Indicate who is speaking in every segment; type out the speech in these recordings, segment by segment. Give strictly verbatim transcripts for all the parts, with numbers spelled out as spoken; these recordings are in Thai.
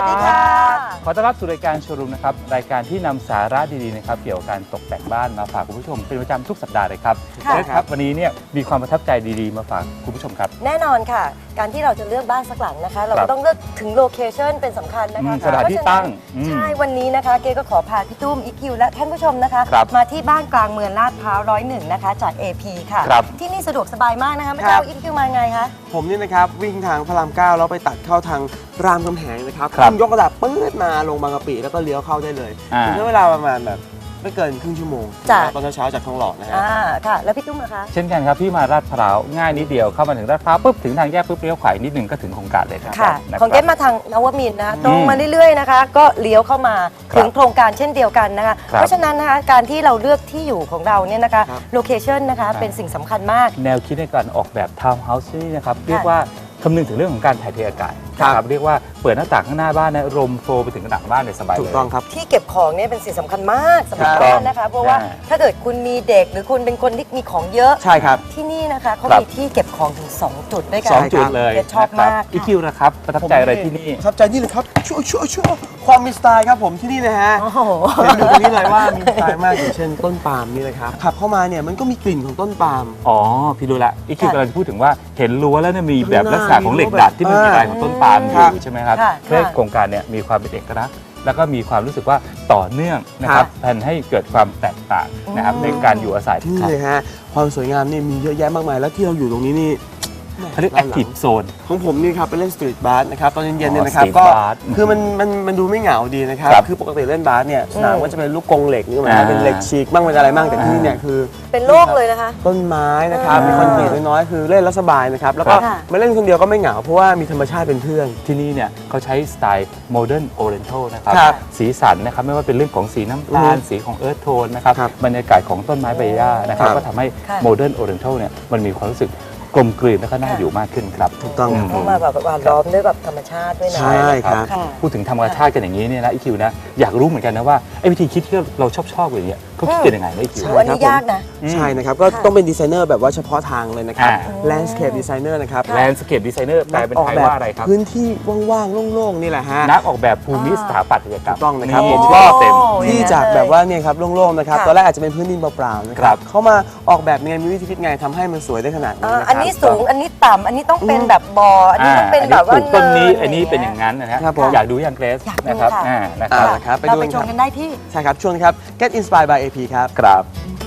Speaker 1: สดีค่ะ
Speaker 2: ขอต้อนรับสู่รายการโชว์รูมนะครับรายการที่นำสาระดีๆนะครับเกี่ยวกับการตกแต่งบ้านมาฝากคุณผู้ชมเป็นประจำทุกสัปดาห์เลยครับครับวันนี้เนี่ยมีความประทับใจดีๆมาฝากคุณผู้ชมครับ
Speaker 1: แน่นอนค่ะการที่เราจะเลือกบ้านสักหลังนะคะเราก็ต้องเลือกถึงโลเคชั่นเป็นสำคัญนะคะ
Speaker 2: สถานที่ตั้ง
Speaker 1: ใช่วันนี้นะคะเกก็ขอพาพี่ตุ้มอีคิวและท่านผู้ชมนะคะมาที่บ้านกลางเมืองลาดพร้าวร้อยหนึ่งนะคะจาก เอ พี ค่ะที่นี่สะดวกสบายมากนะคะไม่ทราบอีคิวมาไงคะ
Speaker 3: ผมนี่นะครับวิ่งทางพระรามเก้าแล้วไปตัดเข้าทางรามคำแหงนะครับขึ้นยกระดับปื๊ดมาลงบางกะปิแล้วก็เลี้ยวเข้าได้เลยใช้เวลาประมาณแบบไม่เกินครึ่งชั่วโมงตอนเช้าจากทองหล่อนะฮะ
Speaker 1: อ่าค่ะแล้วพี่ตุ้มนะคะ
Speaker 2: เช่นกันครับพี่มาลาดพร้าวง่ายนิดเดียวเข้ามาถึงลาดพร้าวปุ๊บถึงทางแยกปุ๊บเลี้ยวขวานิดนึงก็ถึงโครงการเลยครับ
Speaker 1: ค่ะของเกมาทางนวมินทร์นะคะตรงมาเรื่อยๆนะคะก็เลี้ยวเข้ามาถึงโครงการเช่นเดียวกันนะคะเพราะฉะนั้นนะคะการที่เราเลือกที่อยู่ของเราเนี่ยนะคะโลเคชั่นนะคะเป็นสิ่งสำคัญมาก
Speaker 2: แนวคิดในการออกแบบทาวน์เฮาส์นี่นะครับเรียกว่าคำนึงถึงเรื่องของการถ่ายเทอากาศครับเรียกว่าเปิดหน้าต่างข้างหน้าบ้านนะลมโฟลไปถึงหลังบ้านเลยสบายเลย
Speaker 3: ถูกต้องครับ
Speaker 1: ที่เก็บของเนี่ยเป็นสิ่งสำคัญมากสำหรับบ้านนะคะเพราะว่าถ้าเกิดคุณมีเด็กหรือคุณเป็นคนที่มีของเยอะ
Speaker 3: ใช่ครับ
Speaker 1: ที่นี่นะคะเขามีที่เก็บของถึงสองจุดด้วยกัน
Speaker 2: สองจุดเลย
Speaker 1: ชอบมาก
Speaker 2: อีคิวนะครับประทับใจอะไรที่นี่
Speaker 3: ประทับใจนี่เลยครับชั่วชั่วชั่วความมีสไตล์ครับผมที่นี่นะฮะเห็นดูตรงนี้เลยว่ามีสไตล์มากอย่างเช่นต้นปาล์มนี่เลยครับขับเข้ามาเนี่ยมันก็มีกลิ่นของต้นปาล์ม
Speaker 2: อ๋อพี่รู้ละอีคิวกำลังพูดถึงว่าเห็นรั้วแล้วเนี่ยมีแบบลักษณะของเหล็กดัดที่มันมีลายของต้นปาล์มอยู่ใช่ไหมครับเพื่อโครงการเนี่ยมีความเป็นเอกลักษณ์แล้วก็มีความรู้สึกว่าต่อเนื่องนะครับแทนให้เกิดความแตกต่างนะครับในการอยู่อาศัย
Speaker 3: นี่เลยฮะความสวยงามนี่มีเยอะแยะมากมายแล้วที่เราอยู่ตรงนี้นี่
Speaker 2: เขาเรียกแอคทีฟโซน
Speaker 3: ของผมนี่ครับไปเล่นสตรีทบาสนะครับตอนเย็นๆเนี่ยนะครับก็คือมันมันมันดูไม่เหงาดีนะครับคือปกติเล่นบาสเนี่ยสนามก็จะเป็นลูกกรงเหล็กนี่หมายถึงเป็นเหล็กฉีกบ้างเป็นอะไรบ้างแต่ที่นี่เนี่ยคือ
Speaker 1: เป็นโล่งเลยนะคะ
Speaker 3: ต้นไม้นะครับมีคอนกรีตน้อยๆคือเล่นแล้วสบายนะครับแล้วก็มาเล่นคนเดียวก็ไม่เหงาเพราะว่ามีธรรมชาติเป็นเพื่อน
Speaker 2: ที่นี่เนี่ยเขาใช้สไตล์โมเดิร์นโอเรนทัลนะครับสีสันนะครับไม่ว่าเป็นเรื่องของสีน้ำตาลสีของเอิร์ธโทนนะครับบรรยากาศของต้นไม้ใบหญ้านะครับก็ทำให้โมเดิร์นโอเรนทัลเนี่ยมันมีความรู้สึกกลมกลืนและก็น่าอยู่มากขึ้นครับ
Speaker 3: ถูกต้อง
Speaker 1: เข้ามาแบบว่าล้อมด้วยแบบธรรมชาติด้วยนะ
Speaker 3: ใช่ครับ
Speaker 2: พูดถึงธรรมชาติกันอย่างนี้เนี่ยนะอีคิวนะอยากรู้เหมือนกันนะว่าไอ้วิธีคิดที่เราชอบชอบอย่างเงี้ยเขาคิดเป็นยังไงนะอีคิว
Speaker 1: อันนี้ยากนะ
Speaker 3: ใช่นะครับก็ต้องเป็นดีไซเนอร์แบบว่าเฉพาะทางเลยนะครับ landscape designer นะครับ
Speaker 2: landscape designer แปลเป็นไทยว่าอะไรครับ
Speaker 3: พื้นที่ว่างๆโล่งๆนี่แหละฮะ
Speaker 2: นักออกแบบภูมิสถาปัตยกรรม
Speaker 3: ต้องนะครับผม
Speaker 2: ก็เต็ม
Speaker 3: ที่จากแบบว่าเนี่ยครับโล่งๆนะครับตอนแรกอาจจะเป็นพื้นดินเปล่าๆนะครับเขามาออกแบบไงมีวิธีคิดไงทำให้มันสวยได้ขนาดนี้นะครับ
Speaker 1: อันนี้สูงอันนี้ต่ำอันนี้ต้องเป็นแบบบ่ออันนี้ต้องเป็นแบบว่า
Speaker 2: ต้นนี้อันนี้เป็นอย่างนั้นนะฮะอยากดูอย่างเกรซนะครับ
Speaker 3: นะครับ
Speaker 1: เราไปชมกันได้ที่
Speaker 3: ใช่ครับช่วงครับ Get Inspired by เอ พี ครับ
Speaker 2: ครับ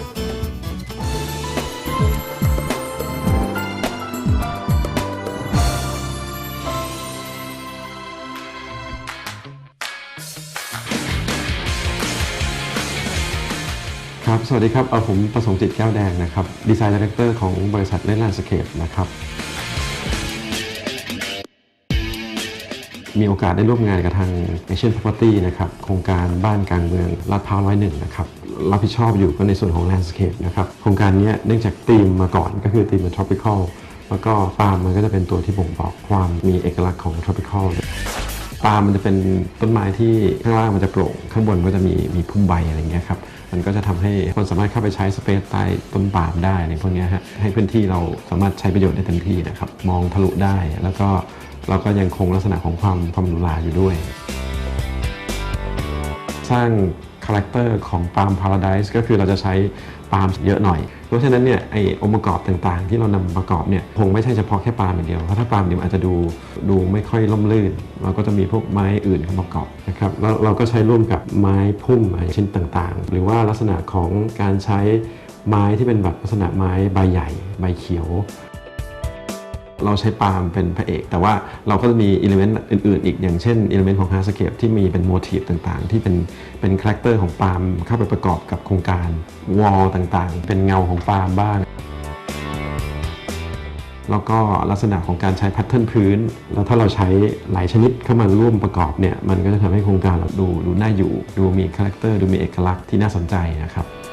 Speaker 4: ครับสวัสดีครับเอาผมประสงค์จิตแก้วแดงนะครับดีไซน์ดีเรคเตอร์ของบริษัทเล่นแลนด์สเคปนะครับมีโอกาสได้ร่วมงานกับทาง Asian Property นะครับโครงการบ้านกลางเมืองลาดพร้าวร้อยหนึ่งนะครับรับผิดชอบอยู่ก็ในส่วนของ Landscape นะครับโครงการนี้เนื่องจากธีมมาก่อนก็คือธีมเป็น Tropical แล้วก็ปาล์มมันก็จะเป็นตัวที่บ่งบอกความมีเอกลักษณ์ของ Tropical ปาล์มมันจะเป็นต้นไม้ที่ข้างล่างมันจะโปร่งข้างบนก็จะมีมีพุ่มใบอะไรอย่างเงี้ยครับมันก็จะทำให้คนสามารถเข้าไปใช้สเปซใต้ต้นปาล์มได้ในพวกนี้ฮะให้พื้นที่เราสามารถใช้ประโยชน์ได้เต็มที่นะครับมองทะลุได้แล้วก็เราก็ยังคงลักษณะของความความหรูหราอยู่ด้วยสร้างคาแรคเตอร์ของปาล์มพาราไดซ์ก็คือเราจะใช้ปาล์มเยอะหน่อยเพราะฉะนั้นเนี่ยไอ้องค์ประกอบต่างๆที่เรานำประกอบเนี่ยคงไม่ใช่เฉพาะแค่ปาล์มอย่างเดียวเพราะถ้าปาล์มเดียวอาจจะดูดูไม่ค่อยล่มลื่นเราก็จะมีพวกไม้อื่นเข้ามาประกอบนะครับแล้วเราก็ใช้ร่วมกับไม้พุ่มไม้ชิ้นต่างๆหรือว่าลักษณะของการใช้ไม้ที่เป็นแบบลักษณะไม้ใบใหญ่ใบเขียวเราใช้ปาล์มเป็นพระเอกแต่ว่าเราก็จะมีอิเลเมนต์อื่นๆอีกอย่างเช่นอิเลเมนต์ของฮาร์ดสเคปที่มีเป็นโมทีฟต่างๆที่เป็นเป็นคาแรคเตอร์ของปาล์มเข้าไปประกอบกับโครงการวอลต่างๆเป็นเงาของปาล์มบ้างแล้วก็ลักษณะของการใช้แพทเทิร์นพื้นแล้วถ้าเราใช้หลายชนิดเข้ามาร่วมประกอบเนี่ยมันก็จะทำให้โครงการเราดูดูน่าอยู่ดูมีคาแรคเตอร์ดูมีเอกลักษณ์ที่น่าสนใจนะครับ